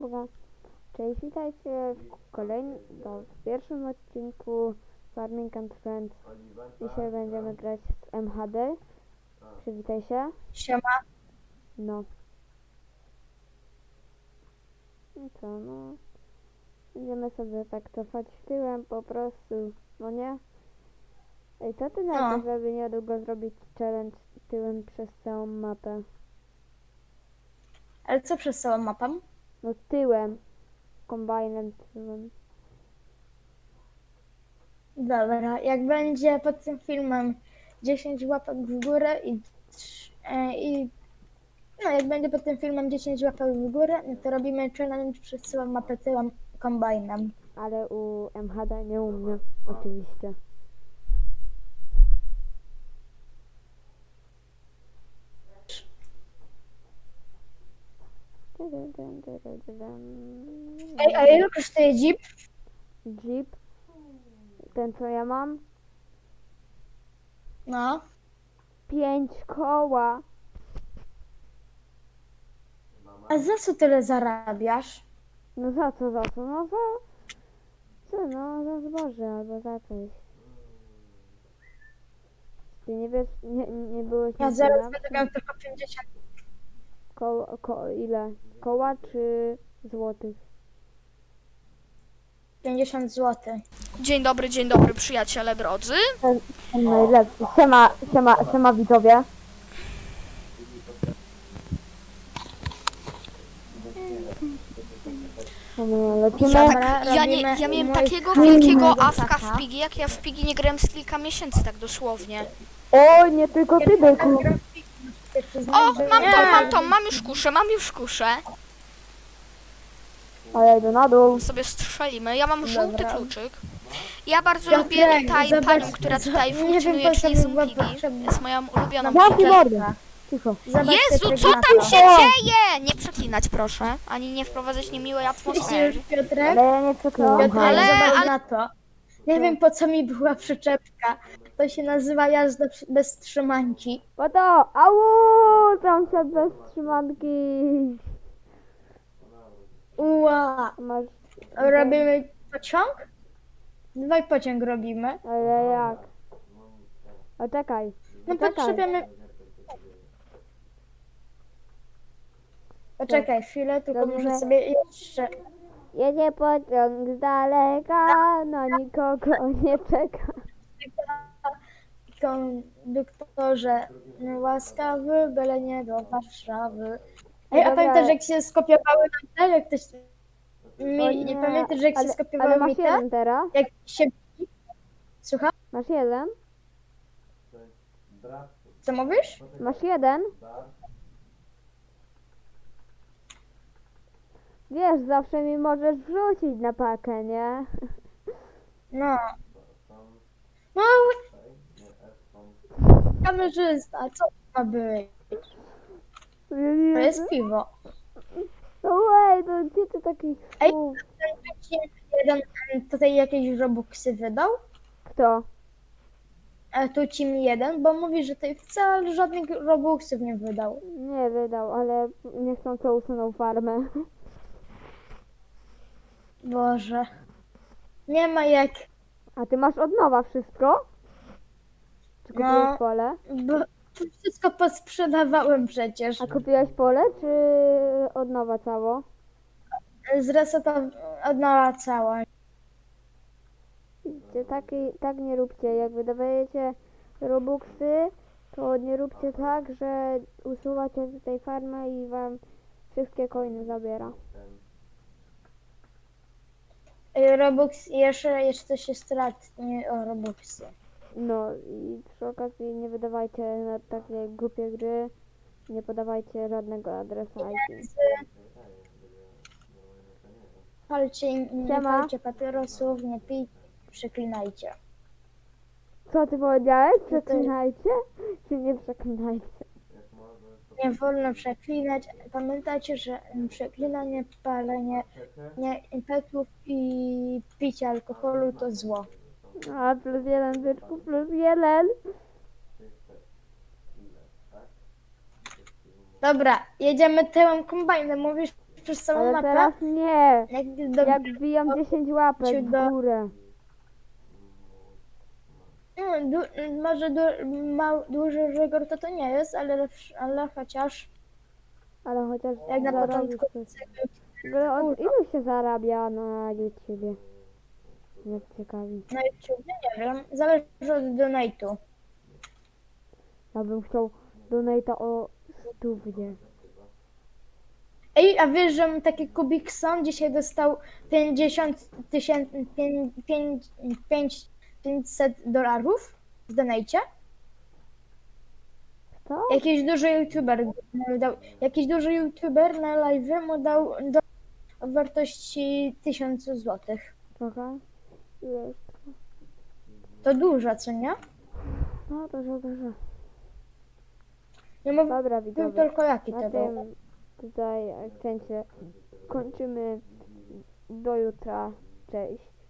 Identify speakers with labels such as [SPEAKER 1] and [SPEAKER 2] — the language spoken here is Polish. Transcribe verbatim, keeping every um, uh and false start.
[SPEAKER 1] Dobra. Cześć, witajcie w kolejnym, no, w pierwszym odcinku Farming and Friends. Dzisiaj będziemy grać z M H D. Przywitaj się.
[SPEAKER 2] Siema.
[SPEAKER 1] No. I co, no. Będziemy sobie tak cofać tyłem po prostu, no nie? Ej, co ty na to,
[SPEAKER 2] No.
[SPEAKER 1] żeby niedługo zrobić challenge tyłem przez całą mapę?
[SPEAKER 2] Ale co przez całą mapę?
[SPEAKER 1] No tyłem. Kombajnem tyłem.
[SPEAKER 2] Dobra, jak będzie pod tym filmem dziesięć łapek w górę i, trz- e, i no jak będzie pod tym filmem dziesięć łapek w górę, no to robimy challenge przez całą mapę tyłem kombajnem.
[SPEAKER 1] Ale u M H D nie u mnie, oczywiście.
[SPEAKER 2] Ej, a ile kosztuje Jeep?
[SPEAKER 1] Jeep, ten co ja mam,
[SPEAKER 2] No.
[SPEAKER 1] pięć koła.
[SPEAKER 2] A za co tyle zarabiasz?
[SPEAKER 1] No za co, za co? No za... Co, no za zboże albo za coś. Ty nie wiesz, nie, nie byłeś
[SPEAKER 2] Ja
[SPEAKER 1] na
[SPEAKER 2] zaraz
[SPEAKER 1] filmach?
[SPEAKER 2] będę miał tylko pięćdziesiąt.
[SPEAKER 1] Ko, ko, ile? Koła czy złotych?
[SPEAKER 2] pięćdziesiąt złotych.
[SPEAKER 3] Dzień dobry, dzień dobry przyjaciele drodzy.
[SPEAKER 1] Ten, ten najlepszy. Siema, siema, siema widzowie. Lecimy.
[SPEAKER 3] Ja,
[SPEAKER 2] Dobra,
[SPEAKER 3] tak, ja, nie,
[SPEAKER 2] robimy
[SPEAKER 3] ja miałem
[SPEAKER 2] mój
[SPEAKER 3] takiego
[SPEAKER 2] film
[SPEAKER 3] wielkiego
[SPEAKER 2] mojego
[SPEAKER 3] awka
[SPEAKER 2] tata.
[SPEAKER 3] w Pigi, jak ja w Pigi nie grałem z kilka miesięcy, tak dosłownie.
[SPEAKER 1] O, nie tylko ty, byku.
[SPEAKER 3] O, mam to, mam to, mam już kuszę, mam już kuszę.
[SPEAKER 1] A ja idę na dół.
[SPEAKER 3] Sobie strzelimy. Ja mam żółty
[SPEAKER 2] Dobra.
[SPEAKER 3] kluczyk. Ja bardzo
[SPEAKER 2] Piotrek,
[SPEAKER 3] lubię tutaj
[SPEAKER 2] zobacz,
[SPEAKER 3] panią, która tutaj
[SPEAKER 2] nie wiem,
[SPEAKER 3] funkcjonuje,
[SPEAKER 2] po co
[SPEAKER 3] czyli
[SPEAKER 2] mi
[SPEAKER 3] z
[SPEAKER 2] była
[SPEAKER 3] Pigi.
[SPEAKER 2] potrzebna.
[SPEAKER 3] Jest moją ulubioną
[SPEAKER 1] Zamknij
[SPEAKER 3] Pigi.
[SPEAKER 1] mordę. Cicho.
[SPEAKER 2] Zobacz,
[SPEAKER 3] Jezu,
[SPEAKER 2] Piotrek,
[SPEAKER 3] co
[SPEAKER 2] na
[SPEAKER 3] tam
[SPEAKER 2] to.
[SPEAKER 3] się dzieje? Nie przeklinać proszę, ani nie wprowadzać niemiłej atmosfery.
[SPEAKER 2] Widzisz, Piotrek?
[SPEAKER 1] Ale ja nie przeklinam.
[SPEAKER 2] Piotrek,
[SPEAKER 3] Ale-
[SPEAKER 2] zobacz
[SPEAKER 3] ale-
[SPEAKER 2] na to. Nie wiem, po co mi była przyczepka. To się nazywa jazda przy- bez trzymanki.
[SPEAKER 1] Po to! Au! Sąsiad bez trzymanki.
[SPEAKER 2] Ua!
[SPEAKER 1] Masz...
[SPEAKER 2] Robimy pociąg? Dwaj pociąg robimy.
[SPEAKER 1] Ale jak? O, czekaj.
[SPEAKER 2] No
[SPEAKER 1] Czekaj.
[SPEAKER 2] potrzebujemy... Poczekaj chwilę, tylko
[SPEAKER 1] Robimy-
[SPEAKER 2] muszę sobie jeszcze...
[SPEAKER 1] Jedzie pociąg z daleka, no nikogo nie czeka.
[SPEAKER 2] Konduktorze łaskawy, byle nie do Warszawy. Ej,
[SPEAKER 1] Ej,
[SPEAKER 2] a
[SPEAKER 1] dobra.
[SPEAKER 2] pamiętasz, jak się skopiowały nam te? Jak ktoś... Mi,
[SPEAKER 1] O
[SPEAKER 2] nie. pamiętasz, jak
[SPEAKER 1] ale,
[SPEAKER 2] się skopiowały
[SPEAKER 1] ale
[SPEAKER 2] mi
[SPEAKER 1] masz
[SPEAKER 2] te?
[SPEAKER 1] jeden teraz?
[SPEAKER 2] Jak się... Słucham?
[SPEAKER 1] Masz jeden?
[SPEAKER 2] Co mówisz?
[SPEAKER 1] Masz jeden? Wiesz, zawsze mi możesz wrzucić na pakę, nie?
[SPEAKER 2] No. No, kamerzysta, co to ma być? To jest piwo.
[SPEAKER 1] No ej, to gdzie ty takich
[SPEAKER 2] Ej,
[SPEAKER 1] słów?
[SPEAKER 2] ten ci jeden em, tutaj jakieś robuxy wydał,
[SPEAKER 1] Kto?
[SPEAKER 2] a tu ci mi jeden, bo mówi, że tutaj wcale żadnych robuxów nie wydał.
[SPEAKER 1] Nie wydał, ale nie chcą co usunął farmę.
[SPEAKER 2] Boże. Nie ma jak,
[SPEAKER 1] A ty masz od nowa wszystko? Czy kupiłeś
[SPEAKER 2] No.
[SPEAKER 1] pole?
[SPEAKER 2] bo to wszystko posprzedawałem przecież.
[SPEAKER 1] A kupiłeś pole, czy od nowa cało?
[SPEAKER 2] Zresetow... od nowa cała.
[SPEAKER 1] Widzicie, tak, i- tak nie róbcie. Jak wydawajecie robuxy, to nie róbcie tak, że usuwacie tutaj farmę i wam wszystkie coiny zabiera.
[SPEAKER 2] Ej, Robux, jeszcze, jeszcze się stratnie o Robuxy.
[SPEAKER 1] No i przy okazji nie wydawajcie na takie głupie gry, nie podawajcie żadnego adresu I P.
[SPEAKER 2] Palcie, nie
[SPEAKER 1] Siema.
[SPEAKER 2] palcie papierosów, nie pijcie, przeklinajcie.
[SPEAKER 1] Co ty powiedziałeś? Przeklinajcie? Czy nie przeklinajcie?
[SPEAKER 2] Nie wolno przeklinać. Pamiętajcie, że przeklinanie, palenie nie, impetów i picie alkoholu to zło.
[SPEAKER 1] A plus jeden, byczku, plus jeden.
[SPEAKER 2] Dobra, jedziemy tyłem kombajnem. Mówisz, przez całą
[SPEAKER 1] Ale
[SPEAKER 2] mapę.
[SPEAKER 1] teraz nie.
[SPEAKER 2] Jak do,
[SPEAKER 1] Jak wbijam dziesięć łapek w
[SPEAKER 2] do-
[SPEAKER 1] górę.
[SPEAKER 2] no, du, może du, ma, duży żegor to to nie jest, ale, ale chociaż
[SPEAKER 1] Ale chociaż
[SPEAKER 2] jak na
[SPEAKER 1] zarobisz
[SPEAKER 2] początku
[SPEAKER 1] coś. W ogóle od ilu się zarabia na YouTubie? Mnie ciekawi.
[SPEAKER 2] na YouTube, nie wiem, zależy od donate'u.
[SPEAKER 1] Ja bym chciał donata o stównie.
[SPEAKER 2] Ej, a wiesz, że taki Kubikson dzisiaj dostał pięćdziesiąt tysięcy, pięćset dolarów w donajcie?
[SPEAKER 1] Co?
[SPEAKER 2] Jakiś duży youtuber mu dał, jakiś duży youtuber na live mu dał do o wartości tysiąc złotych.
[SPEAKER 1] Trochę? Jest.
[SPEAKER 2] To dużo, co nie?
[SPEAKER 1] No dużo, dużo.
[SPEAKER 2] Nie mówię
[SPEAKER 1] Dobra widzowie.
[SPEAKER 2] tylko jaki
[SPEAKER 1] Na
[SPEAKER 2] to był.
[SPEAKER 1] tym tutaj akcencie kończymy. Do jutra. Cześć.